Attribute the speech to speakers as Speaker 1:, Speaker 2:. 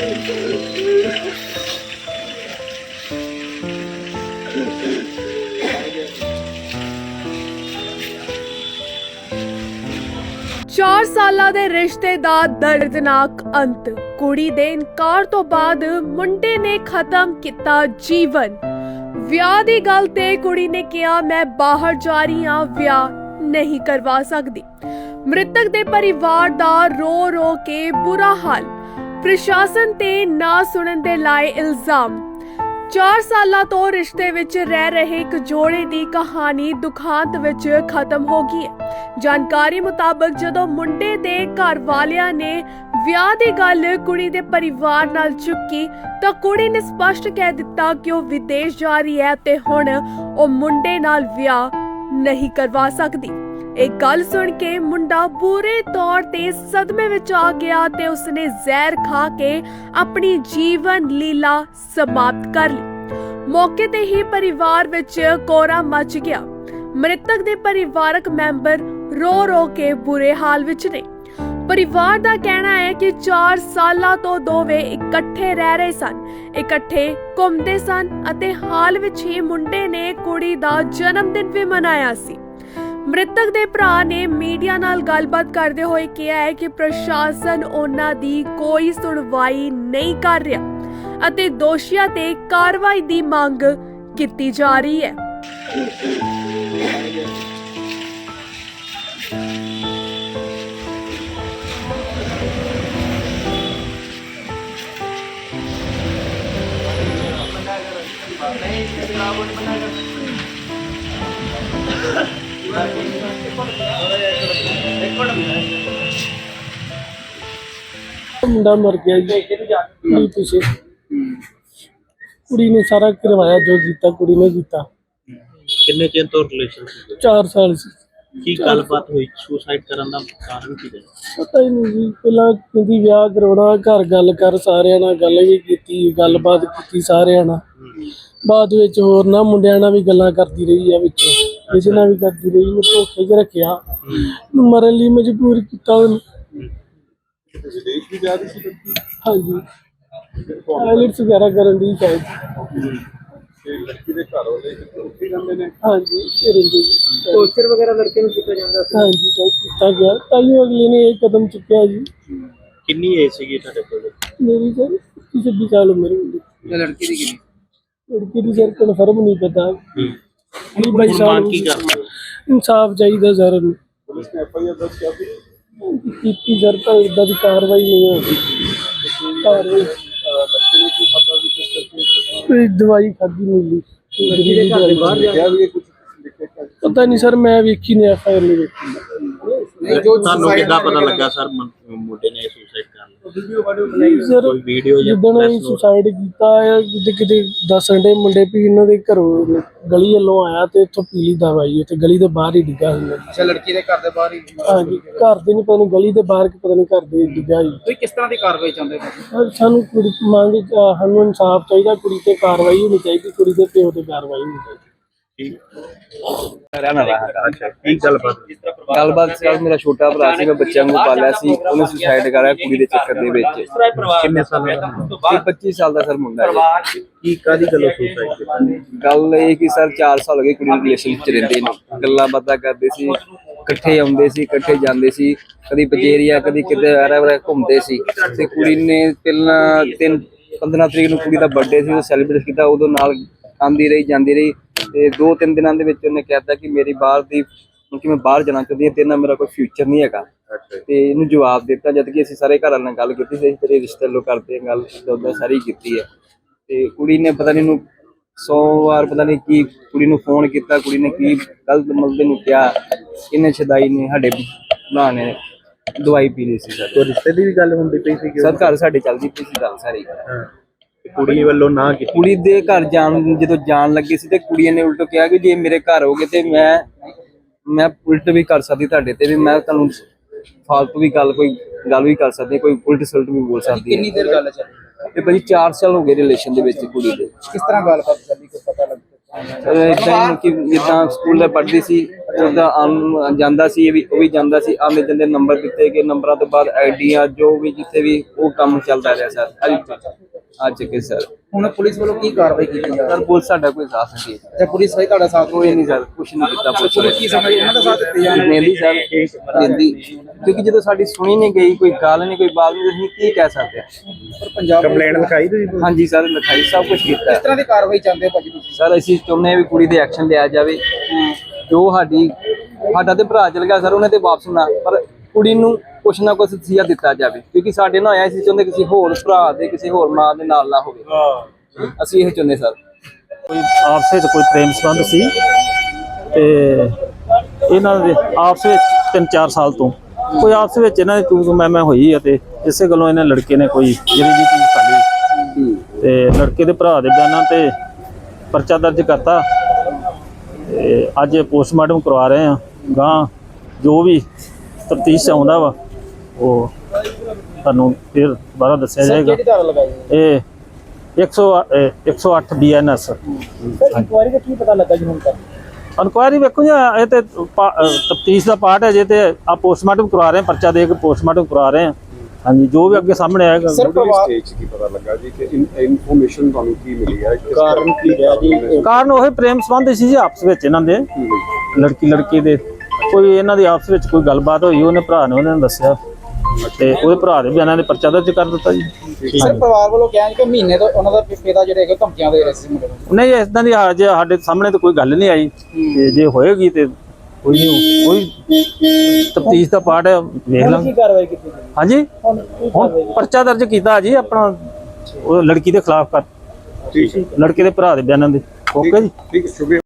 Speaker 1: चार साल ਦੇ ਰਿਸ਼ਤੇ ਦਾ ਦਰਦਨਾਕ ਅੰਤ। ਕੁੜੀ ਦੇ ਇਨਕਾਰ ਤੋਂ ਬਾਅਦ ਮੁੰਡੇ ਨੇ ਖਤਮ ਕੀਤਾ ਜੀਵਨ। ਵਿਆਹ ਦੀ ਗੱਲ ਤੇ ਕੁੜੀ ਨੇ ਕਿਹਾ, ਮੈਂ ਬਾਹਰ ਜਾ ਰਹੀ ਹਾਂ, ਵਿਆਹ ਨਹੀਂ ਕਰਵਾ ਸਕਦੀ। ਮ੍ਰਿਤਕ ਦੇ ਪਰਿਵਾਰ ਦਾ ਰੋ ਰੋ ਕੇ ਬੁਰਾ ਹਾਲ। ਪ੍ਰਸ਼ਾਸਨ ਤੇ ਨਾ ਸੁਣਨ ਦੇ ਲਾਏ ਇਲਜ਼ਾਮ। 4 ਸਾਲਾਂ ਤੋਂ ਰਿਸ਼ਤੇ ਵਿੱਚ ਰਹਿ ਰਹੇ ਇੱਕ ਜੋੜੇ ਦੀ ਕਹਾਣੀ ਦੁਖਾਂਤ ਵਿੱਚ ਖਤਮ ਹੋ ਗਈ ਹੈ। ਜਾਣਕਾਰੀ ਮੁਤਾਬਕ ਜਦੋਂ ਮੁੰਡੇ ਦੇ ਘਰ ਵਾਲਿਆਂ ਨੇ ਵਿਆਹ ਦੀ ਗੱਲ ਕੁੜੀ ਦੇ ਪਰਿਵਾਰ ਨਾਲ ਚੁੱਕੀ ਤਾਂ ਕੁੜੀ ਨੇ ਸਪਸ਼ਟ ਕਹਿ ਦਿੱਤਾ ਕਿ ਉਹ ਵਿਦੇਸ਼ ਜਾ ਰਹੀ ਹੈ ਤੇ ਹੁਣ ਉਹ ਮੁੰਡੇ ਨਾਲ ਵਿਆਹ ਨਹੀਂ ਕਰਵਾ ਸਕਦੀ। ਇਹ ਗੱਲ ਸੁਣ ਕੇ ਮੁੰਡਾ ਬੁਰੇ ਤੌਰ ਤੇ ਸਦਮੇ ਵਿੱਚ ਆ ਗਿਆ ਤੇ ਉਸਨੇ ਜ਼ਹਿਰ ਖਾ ਕੇ ਆਪਣੀ ਜੀਵਨ ਲੀਲਾ ਸਮਾਪਤ ਕਰ ਲਈ। ਮੌਕੇ ਤੇ ਹੀ ਪਰਿਵਾਰ ਵਿੱਚ ਕੋਹਰਾ ਮਚ ਗਿਆ। ਮ੍ਰਿਤਕ ਦੇ ਪਰਿਵਾਰਕ ਮੈਂਬਰ ਰੋ ਰੋ ਕੇ ਬੁਰੇ ਹਾਲ ਵਿੱਚ ਨੇ। ਪਰਿਵਾਰ ਦਾ ਕਹਿਣਾ ਹੈ ਕਿ 4 ਸਾਲਾਂ ਤੋਂ ਦੋਵੇਂ ਇਕੱਠੇ ਰਹਿ ਰਹੇ ਸਨ, ਇਕੱਠੇ ਘੁੰਮਦੇ ਸਨ ਅਤੇ ਹਾਲ ਵਿੱਚ ਹੀ ਮੁੰਡੇ ਨੇ ਕੁੜੀ ਦਾ ਜਨਮ ਦਿਨ ਵੀ ਮਨਾਇਆ ਸੀ। ਮ੍ਰਿਤਕ ਦੇ ਭਰਾ ਨੇ ਮੀਡੀਆ ਨਾਲ ਗੱਲਬਾਤ ਕਰਦੇ ਹੋਏ ਕਿਹਾ ਹੈ ਕਿ ਪ੍ਰਸ਼ਾਸਨ ਉਹਨਾਂ ਦੀ ਕੋਈ ਸੁਣਵਾਈ ਨਹੀਂ ਕਰ ਰਿਹਾ ਅਤੇ ਦੋਸ਼ੀਆਂ ਤੇ ਕਾਰਵਾਈ ਦੀ ਮੰਗ ਕੀਤੀ ਜਾ ਰਹੀ ਹੈ।
Speaker 2: मुंडा मर गया जी पीछे कुड़ी ने सारा करवाया जो जीता कुड़ी ने जीता।
Speaker 3: किन्ने चेर तो रिलेशन
Speaker 2: 4 साल से
Speaker 3: की गलबात हुई सुसाइड करन दा कारण की
Speaker 2: पता ही नहीं जी। पहला कहती ब्याह करवाना, घर गल कर सारिਆਂ ਨਾਲ गल भी की गलबात की सारिਆਂ ਨਾਲ। बाद विच होर ना मुंडिਆਂ ਨਾਲ भी गल्लां करती रही है, विच किसी ਨਾਲ भी करती रही। मैं धोखे च रखिया, मरन ਲਈ मजबूर किया।
Speaker 4: विदेश भी जा रही थी?
Speaker 2: हाँ जी, आईलेट्स वगैरह करन दी शायद।
Speaker 4: लड़की के घर वाले उत्थे रहंदे ने?
Speaker 2: हाँ जी,
Speaker 5: टॉर्चर वगैरह लड़के नूं कीता जांदा सी?
Speaker 2: हाँ जी, किया गया। ताइयों अगले ने एक कदम चुकया जी।
Speaker 3: किन्नी एज सीगी ਤੁਹਾਡੇ ਕੋਲ?
Speaker 2: मेरी सर 26 साल उम्र होगी।
Speaker 5: ਤੇ ਲੜਕੀ ਦੀ ਕਿੰਨੀ?
Speaker 2: लड़की की सर कन्फर्म नहीं पता।
Speaker 3: ਹੁਣ ਮੰਗ ਕੀ ਕਰਦੇ ਹੋ?
Speaker 2: इंसाफ चाहिए सर।
Speaker 4: पुलिस ने FIR दर्ज कर दी?
Speaker 2: की सर पर इदा की कार्रवाई नहीं होगी। कार्रवाई
Speaker 4: लड़के ने क्यों खाता भी किस करके
Speaker 2: कोई दवाई खाधी मिली
Speaker 5: ਲੜਕੀ ਦੇ ਘਰ ਦੇ ਬਾਹਰ ਜਾ
Speaker 4: क्या भी कुछ लिखे क्या?
Speaker 2: पता नहीं सर, मैं वेखी नहीं FIR नहीं वेखी।
Speaker 5: ਨਹੀਂ ਜੋ
Speaker 3: ਤੁਹਾਨੂੰ ਕਿੱਦਾਂ ਪਤਾ ਲੱਗਾ ਸਰ ਮੁੰਡੇ ਨੇ ਸੁਸਾਈਡ ਕਰ ਲਿਆ?
Speaker 5: ਵੀਡੀਓ ਵਾਡੀਓ ਬਣਾਈ
Speaker 2: सर
Speaker 3: ਕੋਈ ਵੀਡੀਓ ਜਾਂ
Speaker 2: ਜਿੱਦਣ ਇਹ ਸੁਸਾਈਡ ਕੀਤਾ ਹੈ ਕਿਤੇ ਦੱਸਣ ਦੇ ਮੁੰਡੇ ਵੀ ਇਹਨਾਂ ਦੇ ਘਰੋਂ ਗਲੀ ਵੱਲੋਂ ਆਇਆ ਤੇ ਇੱਥੋਂ ਪੀਲੀ ਦਵਾਈ ਉੱਥੇ ਗਲੀ ਦੇ ਬਾਹਰ ਹੀ ਡਿੱਗਾ ਹੁੰਦਾ।
Speaker 5: ਅੱਛਾ, ਲੜਕੀ ਦੇ ਘਰ ਦੇ ਬਾਹਰ ਹੀ?
Speaker 2: ਹਾਂਜੀ, ਘਰ ਦੇ ਨਹੀਂ ਪਤਾ ਨਹੀਂ ਗਲੀ ਦੇ ਬਾਹਰ ਕਿ ਪਤਾ ਨਹੀਂ ਘਰ ਦੇ ਡਿੱਗਾ ਹੀ।
Speaker 5: ਤੁਸੀਂ ਕਿਸ ਤਰ੍ਹਾਂ ਦੀ ਕਾਰਵਾਈ ਚਾਹੁੰਦੇ ਹੋ?
Speaker 2: ਸਾਨੂੰ ਕੁੜੀ ਮੰਗ ਸਾਨੂੰ ਇਨਸਾਫ ਚਾਹੀਦਾ, ਕੁੜੀ ਤੇ ਕਾਰਵਾਈ ਹੋਣੀ ਚਾਹੀਦੀ, ਕੁੜੀ ਦੇ ਪਿਓ ਤੇ ਕਾਰਵਾਈ ਹੋਣੀ ਚਾਹੀਦੀ।
Speaker 3: ਅੱਛਾ, ਕੀ ਗੱਲਬਾਤ?
Speaker 6: ਸਰ ਮੇਰਾ ਛੋਟਾ ਭਰਾ ਸੀ, ਮੈਂ ਬੱਚਿਆਂ ਨੂੰ ਪਾਲਿਆ ਸੀ, ਉਹਨੇ ਸੁਸਾਈਡ ਕਰਾਇਆ ਕੁੜੀ ਦੇ ਚੱਕਰ ਦੇ ਵਿੱਚ।
Speaker 3: ਕਿੰਨੇ ਸਾਲਾਂ ਦਾ?
Speaker 6: ਇਹ 25 ਸਾਲ ਦਾ ਸਰ ਮੁੰਡਾ ਹੈ।
Speaker 3: ਕੀ ਕਾਦੀ ਗੱਲੋਂ ਸੁਸਾਈਡ ਕੀਤੀ?
Speaker 6: ਗੱਲ ਇਹ ਕਿ ਸਰ 4 ਸਾਲ ਹੋ ਗਏ ਕੁੜੀ ਨੂੰ ਰਿਲੇਸ਼ਨ ਵਿੱਚ ਰਹਿੰਦੇ ਨੇ, ਗੱਲਾਂ ਬਾਤਾਂ ਕਰਦੇ ਸੀ, ਇਕੱਠੇ ਆਉਂਦੇ ਸੀ, ਇਕੱਠੇ ਜਾਂਦੇ ਸੀ, ਕਦੀ ਪਜੇਰੀਆ ਕਦੀ ਕਿਤੇ ਵਾਰਾ ਘੁੰਮਦੇ ਸੀ। ਤੇ ਕੁੜੀ ਨੇ ਪਹਿਲਾਂ 15 ਤਰੀਕ ਨੂੰ ਕੁੜੀ ਦਾ ਬਰਥਡੇ ਸੀ, ਉਹ ਸੈਲੀਬ੍ਰੇਟ ਕੀਤਾ, ਉਦੋਂ ਨਾਲ ਆਉਂਦੀ ਰਹੀ ਜਾਂਦੀ ਰਹੀ। ਤੇ 2-3 ਦਿਨਾਂ ਦੇ ਵਿੱਚ ਉਹਨੇ ਕਹਿਤਾ ਕਿ ਮੇਰੀ ਬਾਹਰ ਦੀ ਕਿ ਮੈਂ ਬਾਹਰ ਜਾਣਾ ਚਾਹੁੰਦੀ ਹਾਂ, ਤੇਰੇ ਨਾਲ ਮੇਰਾ ਕੋਈ ਫਿਊਚਰ ਨਹੀਂ ਹੈਗਾ। ਤੇ ਇਹਨੂੰ ਜਵਾਬ ਦਿੱਤਾ, ਜਦ ਕਿ ਅਸੀਂ ਸਾਰੇ ਘਰਾਂ ਨਾਲ ਗੱਲ ਕੀਤੀ ਸੀ, ਤੇਰੇ ਰਿਸ਼ਤੇ ਲੋ ਕਰਦੇ ਹਾਂ ਗੱਲ ਉੱਦਾਂ ਸਾਰੀ ਕੀਤੀ ਹੈ। ਤੇ ਕੁੜੀ ਨੇ ਪਤਾ ਨਹੀਂ ਇਹਨੂੰ 100 ਵਾਰ ਪਤਾ ਨਹੀਂ ਕੀ ਕੁੜੀ ਨੂੰ ਫੋਨ ਕੀਤਾ, ਕੁੜੀ ਨੇ ਕੀ ਗਲਤ ਮਲਦੇ ਨੂੰ ਕਿਹਾ। ਇਹਨੇ ਛਦਾਈ ਨੇ ਸਾਡੇ ਭਰਾ ਨੇ ਦਵਾਈ ਪੀ ਲਈ ਸੀ ਸਰ।
Speaker 3: ਕੋਈ ਰਿਸ਼ਤੇ ਦੀ ਵੀ ਗੱਲ ਹੁੰਦੀ ਪਈ ਸੀ?
Speaker 6: ਸਰ ਘਰ ਸਾਡੇ ਚੱਲਦੀ ਪਈ ਸੀ ਗੱਲ ਸਾਰੀ।
Speaker 3: ਕੁੜੀ ਵੱਲੋਂ ਨਾ ਕੀਤੀ?
Speaker 6: ਕੁੜੀ ਦੇ ਘਰ ਜਦੋਂ ਜਾਣ ਲੱਗੀ ਸੀ ਤੇ ਕੁੜੀ ਨੇ ਉਲਟ ਕਿਹਾ ਕਿ ਜੇ ਮੇਰੇ ਘਰ ਹੋਗੇ ਤੇ ਮੈਂ ਉਲਟ ਵੀ ਕਰ ਸਕਦੀ ਤੁਹਾਡੇ ਤੇ, ਵੀ ਮੈਂ ਤੁਹਾਨੂੰ ਫਾਲਤੂ ਵੀ ਕੋਈ ਗੱਲ ਵੀ ਕਰ ਸਕਦੀ, ਕੋਈ ਉਲਟ ਸਲਟ ਵੀ ਬੋਲ ਸਕਦੀ।
Speaker 5: ਕਿੰਨੀ ਦੇਰ ਗੱਲ ਚੱਲੀ?
Speaker 6: ਤੇ ਭਾਜੀ 4 ਸਾਲ ਹੋ ਗਏ ਰਿਲੇਸ਼ਨ ਦੇ ਵਿੱਚ ਕੁੜੀ ਦੇ।
Speaker 5: ਕਿਸ ਤਰ੍ਹਾਂ ਗੱਲਬਾਤ ਚੱਲੀ, ਕੋਈ ਪਤਾ ਲੱਗਦਾ?
Speaker 6: ਇਦਾਂ ਹੀ ਕਿ ਜਿੱਦਾਂ ਸਕੂਲ ਦੇ ਪੜ੍ਹਦੀ ਸੀ, ਉਹਦਾ ਜਾਂਦਾ ਸੀ, ਇਹ ਵੀ ਉਹ ਵੀ ਜਾਂਦਾ ਸੀ, ਆਉਂਦੇ ਜਾਂਦੇ ਨੰਬਰ ਦਿੱਤੇ ਗਏ, ਨੰਬਰਾਂ ਤੋਂ ਬਾਅਦ ਆਈਡੀਆਂ ਜੋ ਵੀ ਜਿੱਥੇ ਵੀ ਉਹ ਕੰਮ ਚੱਲਦਾ ਰਿਹਾ ਸਰ ਅੱਜ ਕੇ ਸਰ।
Speaker 5: ਹੁਣ ਪੁਲਿਸ ਵੱਲੋਂ ਕੀ ਕਾਰਵਾਈ ਕੀਤੀ ਜਾ ਰਹੀ
Speaker 6: ਸਰ ਪੁਲਿਸ ਸਾਡਾ ਕੋਈ ਸਾਥ ਨਹੀਂ ਦੇ
Speaker 5: ਹੈ? ਪੁਲਿਸ ਭਾਈ ਤੁਹਾਡਾ ਸਾਥ
Speaker 6: ਕੋਈ ਨਹੀਂ ਸਰ, ਕੁਛ ਨਹੀਂ ਕੀਤਾ
Speaker 5: ਪੁਲਿਸ ਕੀ ਸਮਝ ਇਹਨਾਂ ਦਾ ਸਾਥ ਦਿੱਤੇ ਜਾ
Speaker 6: ਦਿੰਦੀ ਸਰ ਦਿੰਦੀ, ਕਿਉਂਕਿ ਜਦੋਂ ਸਾਡੀ ਸੁਣੀ ਨਹੀਂ ਗਈ, ਕੋਈ ਗੱਲ ਨਹੀਂ, ਕੋਈ ਬਾਤ ਨਹੀਂ, ਅਸੀਂ ਕੀ ਕਹਿ ਸਕਦੇ ਹਾਂ।
Speaker 5: ਪਰ ਪੰਜਾਬ ਕੰਪਲੇਂਟ ਲਿਖਾਈ ਤੁਸੀਂ
Speaker 6: ਹਾਂਜੀ ਸਰ ਲਿਖਾਈ, ਸਭ ਕੁਝ ਕੀਤਾ
Speaker 5: ਕਿਸ ਤਰ੍ਹਾਂ ਦੀ ਕਾਰਵਾਈ ਚਾਹੁੰਦੇ ਹੋ ਭਾਜੀ ਤੁਸੀਂ?
Speaker 6: ਸਰ ਅਸੀਂ ਚਾਹੁੰਦੇ ਹਾਂ ਵੀ ਕੁੜੀ ਤੇ ਐਕਸ਼ਨ ਲਿਆ ਜਾਵੇ, ਜੋ ਸਾਡਾ ਤੇ ਭਰਾ ਚਲ ਗਿਆ ਸਰ, ਉਹਨੇ ਤੇ ਵਾਪਸ ਨਾ, ਪਰ ਕੁੜੀ ਨੂੰ ਕੁਛ ਨਾ ਕੁਛ ਤਸੀਹਾ ਦਿੱਤਾ ਜਾਵੇ, ਕਿਉਂਕਿ ਸਾਡੇ ਨਾਲ ਆਇਆ ਸੀ, ਚਾਹੁੰਦੇ ਕਿਸੇ ਹੋਰ ਭਰਾ ਦੇ ਕਿਸੇ ਹੋਰ ਮਾਂ ਦੇ ਨਾਲ ਨਾ ਹੋਵੇ, ਅਸੀਂ ਇਹ ਚਾਹੁੰਦੇ ਸਰ।
Speaker 7: ਕੋਈ ਆਪਸ ਵਿੱਚ ਕੋਈ ਪ੍ਰੇਮ ਸੰਬੰਧ ਸੀ ਤੇ ਇਹਨਾਂ ਦੇ ਆਪਸ ਵਿੱਚ 3-4 ਸਾਲ ਤੋਂ ਕੋਈ ਆਪਸ ਵਿੱਚ ਇਹਨਾਂ ਦੀ ਤੂੰ ਮੈਂ ਹੋਈ ਆ ਤੇ ਇਸੇ ਗੱਲੋਂ ਇਹਨਾਂ ਲੜਕੇ ਨੇ ਕੋਈ ਜਿਹੜੀ ਜੀ ਚੀਜ਼ ਖਾਲੀ ਤੇ ਲੜਕੇ ਦੇ ਭਰਾ ਦੇ ਬਿਆਨਾਂ ਤੇ ਪਰਚਾ ਦਰਜ ਕਰਤਾ ਤੇ ਅੱਜ ਪੋਸਟਮਾਰਟਮ ਕਰਵਾ ਰਹੇ ਆ। ਗਾਂ ਜੋ ਵੀ ਤਫਤੀਸ਼ ਆਉਂਦਾ ਵਾ ਉਹ ਤੁਹਾਨੂੰ ਫਿਰ ਦੁਬਾਰਾ ਦੱਸਿਆ ਜਾਏਗਾ।
Speaker 5: ਕਿਹੜੀ ਧਾਰਾ ਲਗਾਈ ਹੈ?
Speaker 7: ਇਹ 108 BNS।
Speaker 5: ਇਨਕੁਆਇਰੀ ਦਾ ਕੀ ਪਤਾ ਲੱਗਾ ਜੀ ਹੁਣ ਤੱਕ?
Speaker 7: ਇਨਕੁਆਇਰੀ ਵੇਖੋ ਜੀ, ਇਹ ਤੇ ਤਫਤੀਸ਼ ਦਾ ਪਾਰਟ ਹੈ ਜੇ, ਤੇ ਆ ਪੋਸਟਮਾਰਟਮ ਕਰਵਾ ਰਹੇ ਹਾਂ, ਪਰਚਾ ਦੇ ਕੇ ਪੋਸਟਮਾਰਟਮ ਕਰਵਾ ਰਹੇ ਹਾਂ। ਹਾਂਜੀ, ਜੋ ਵੀ ਅੱਗੇ ਸਾਹਮਣੇ ਆਏਗਾ।
Speaker 5: ਸਰ ਪਰਿਵਾਰ
Speaker 4: ਸਟੇਜ ਕੀ ਪਤਾ ਲੱਗਾ ਜੀ ਕਿ ਇਨਫੋਰਮੇਸ਼ਨ ਤੁਹਾਨੂੰ ਕੀ ਮਿਲੀ ਹੈ, ਕਾਰਨ ਕੀ ਹੈ ਜੀ?
Speaker 7: ਕਾਰਨ ਉਹ ਪ੍ਰੇਮ ਸੰਬੰਧ ਸੀ ਜੀ ਆਪਸ ਵਿੱਚ ਇਹਨਾਂ ਦੇ, ਲੜਕੀ ਦੇ ਕੋਈ ਇਹਨਾਂ ਦੀ ਆਪਸ ਵਿੱਚ ਕੋਈ ਗੱਲਬਾਤ ਹੋਈ, ਉਹਨੇ ਭਰਾ ਨੇ ਉਹਨਾਂ ਨੂੰ ਦੱਸਿਆ ਤੇ ਉਹਦੇ ਭਰਾ ਦੇ ਬਿਆਨਾਂ ਦੇ ਪਰਚਾ ਦਰਜ ਕਰ ਦਿੱਤਾ ਜੀ।
Speaker 5: ਸਰ ਪਰਿਵਾਰ ਵੱਲੋਂ ਕਿਹਾ ਕਿ ਮਹੀਨੇ ਤੋਂ ਉਹਨਾਂ ਦਾ ਪਿਤਾ ਜਿਹੜੇ ਹੈਗੇ ਧਮਕੀਆਂ ਦੇ ਰਹੇ ਸੀ ਮੁੰਡੇ ਨੂੰ।
Speaker 7: ਨਹੀਂ, ਇਦਾਂ ਦੀ ਜੇ ਸਾਡੇ ਸਾਹਮਣੇ ਤਾਂ ਕੋਈ ਗੱਲ ਨਹੀਂ ਆਈ, ਤੇ ਜੇ ਹੋਏਗੀ ਤੇ ਕੋਈ ਤਫਤੀਸ਼ ਦਾ ਪਾਰਟ ਹੈ, ਵੇਖ ਲਾਂਗੇ।
Speaker 5: ਕੀ ਕਾਰਵਾਈ ਕੀਤੀ?
Speaker 7: ਹਾਂਜੀ, ਹੁਣ ਪਰਚਾ ਦਰਜ ਕੀਤਾ ਜੀ ਆਪਣਾ ਉਹ ਲੜਕੀ ਦੇ ਖਿਲਾਫ ਕਰ, ਲੜਕੇ ਦੇ ਭਰਾ ਦੇ ਬਿਆਨਾਂ ਦੇ। ਓਕੇ ਜੀ,
Speaker 4: ਠੀਕ ਹੈ, ਸ਼ੁਕਰੀਆ।